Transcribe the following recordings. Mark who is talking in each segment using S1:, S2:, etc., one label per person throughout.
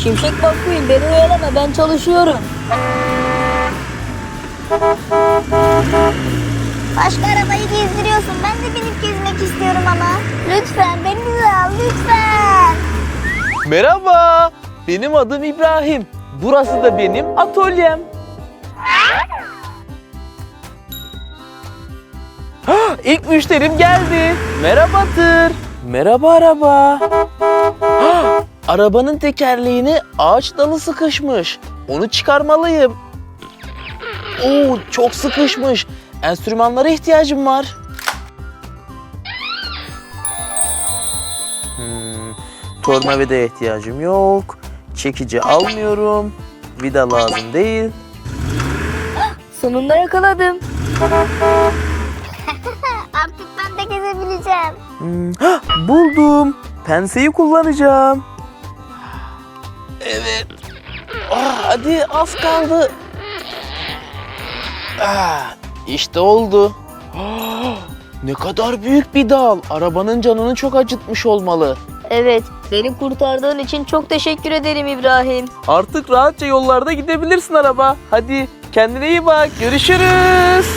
S1: Şimşek McQueen beni oyalama, ben çalışıyorum.
S2: Başka arabayı gezdiriyorsun. Ben de binip gezmek istiyorum ama. Lütfen beni de al lütfen.
S3: Merhaba, benim adım İbrahim. Burası da benim atölyem. İlk müşterim geldi. Merhaba tır. Merhaba araba. Arabanın tekerleğine ağaç dalı sıkışmış. Onu çıkarmalıyım. Oo, çok sıkışmış. Enstrümanlara ihtiyacım var. Tornavidaya ihtiyacım yok. Çekici almıyorum. Vida lazım değil.
S1: Sonunda yakaladım.
S2: Artık ben de gezebileceğim.
S3: Buldum. Penseyi kullanacağım. Evet. Hadi az kaldı. İşte oldu. Ne kadar büyük bir dal. Arabanın canını çok acıtmış olmalı.
S1: Evet, beni kurtardığın için çok teşekkür ederim İbrahim.
S3: Artık rahatça yollarda gidebilirsin araba. Hadi kendine iyi bak. Görüşürüz.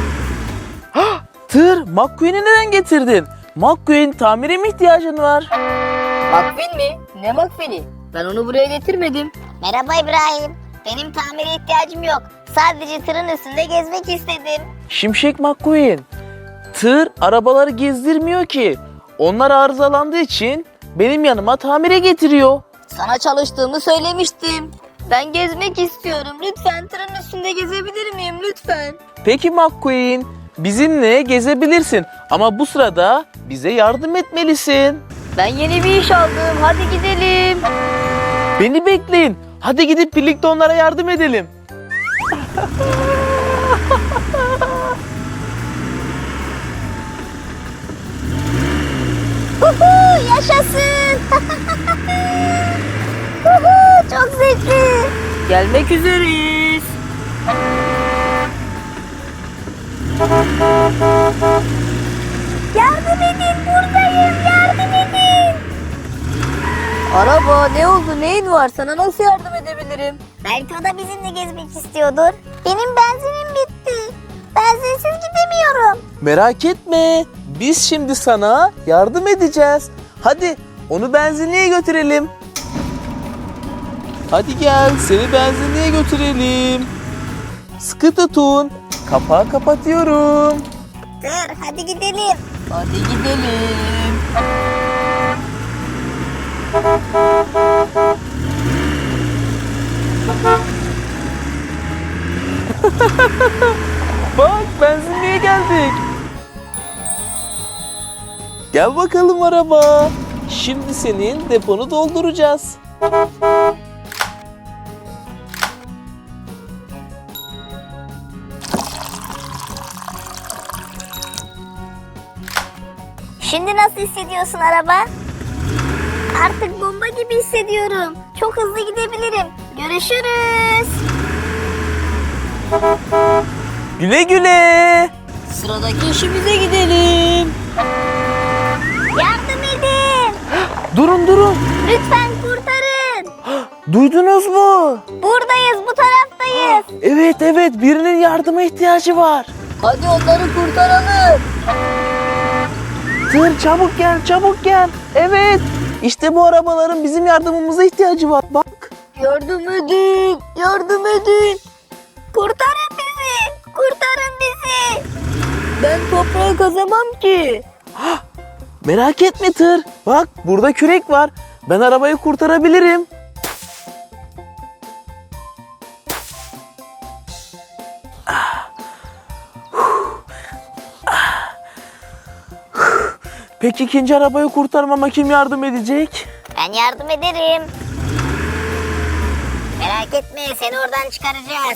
S3: Tır, McQueen'i neden getirdin? McQueen, tamire mi ihtiyacın var?
S1: McQueen mi? Ne McQueen'i? Ben onu buraya getirmedim.
S2: Merhaba İbrahim. Benim tamire ihtiyacım yok. Sadece tırın üstünde gezmek istedim.
S3: Şimşek McQueen, tır arabaları gezdirmiyor ki. Onlar arızalandığı için benim yanıma tamire getiriyor.
S1: Sana çalıştığımı söylemiştim. Ben gezmek istiyorum. Lütfen tırın üstünde gezebilir miyim lütfen?
S3: Peki McQueen, bizimle gezebilirsin ama bu sırada bize yardım etmelisin.
S1: Ben yeni bir iş aldım. Hadi gidelim.
S3: Beni bekleyin. Hadi gidip birlikte onlara yardım edelim.
S2: Yaşasın. Çok zevkli.
S1: Gelmek üzereyiz.
S2: Yardım edin, buradayım. Yardım edin.
S1: Araba ne oldu? Neyin var? Sana nasıl yardım edebilirim?
S2: Belki o da bizimle gezmek istiyordur. Benim benzinim bitti. Benzinsiz gidemiyorum.
S3: Merak etme. Biz şimdi sana yardım edeceğiz. Hadi onu benzinliğe götürelim. Hadi gel seni benzinliğe götürelim. Sıkı tutun. Kapağı kapatıyorum.
S2: Dur, hadi gidelim.
S1: Hadi gidelim.
S3: Bak benzinliğe geldik. Gel bakalım araba. Şimdi senin deponu dolduracağız.
S2: Şimdi nasıl hissediyorsun araba? Artık bomba gibi hissediyorum. Çok hızlı gidebilirim. Görüşürüz.
S3: Güle güle.
S1: Sıradaki işimize gidelim.
S2: Yardım edin.
S3: Durun.
S2: Lütfen kurtarın.
S3: Duydunuz mu?
S2: Buradayız, bu taraftayız.
S3: Evet birinin yardıma ihtiyacı var.
S1: Hadi onları kurtaralım.
S3: Tır çabuk gel. Evet. İşte bu arabaların bizim yardımımıza ihtiyacı var. Bak.
S1: Yardım edin. Yardım edin.
S2: Kurtarın bizi. Kurtarın bizi.
S1: Ben toprağı kazamam ki.
S3: Merak etme tır. Bak burada kürek var. Ben arabayı kurtarabilirim. Peki ikinci arabayı kurtarmama kim yardım edecek?
S2: Ben yardım ederim. Merak etme, seni oradan çıkaracağız.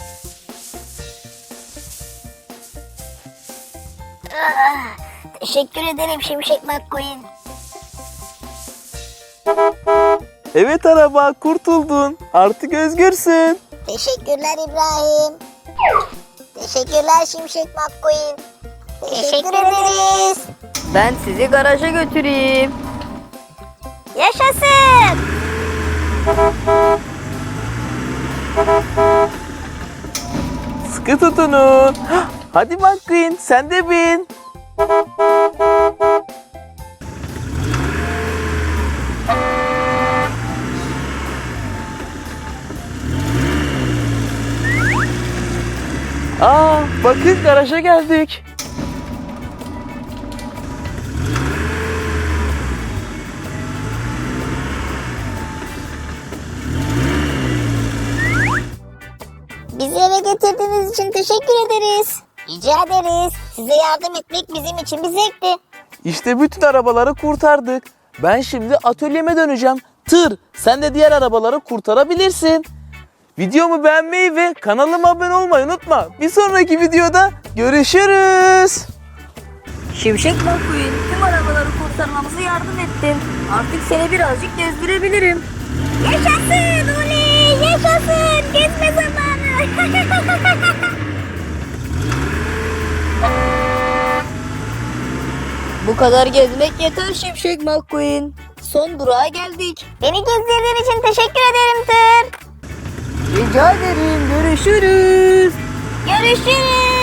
S2: Teşekkür ederim Şimşek McQueen.
S3: Evet araba kurtuldun. Artık özgürsün.
S2: Teşekkürler İbrahim. Teşekkürler Şimşek McQueen. Teşekkür ederiz.
S1: Ben sizi garaja götüreyim.
S2: Yaşasın.
S3: Sıkı tutunun. Hadi McQueen sen de bin. Bakın garaja geldik.
S2: Bizi eve getirdiğiniz için teşekkür ederiz. Rica ederiz. Size yardım etmek bizim için bir zevkti.
S3: İşte bütün arabaları kurtardık. Ben şimdi atölyeme döneceğim. Tır, sen de diğer arabaları kurtarabilirsin. Videomu beğenmeyi ve kanalıma abone olmayı unutma. Bir sonraki videoda görüşürüz.
S1: Şimşek McQueen tüm arabaları kurtarmamıza yardım ettin. Artık seni birazcık gezdirebilirim.
S2: Yaşasın oley yaşasın. Gezme zamanı.
S1: Bu kadar gezmek yeter Şimşek McQueen. Son durağa geldik.
S2: Beni gezdirdiğin için teşekkür ederim Tır.
S1: Rica ederim. Görüşürüz.
S2: Görüşürüz.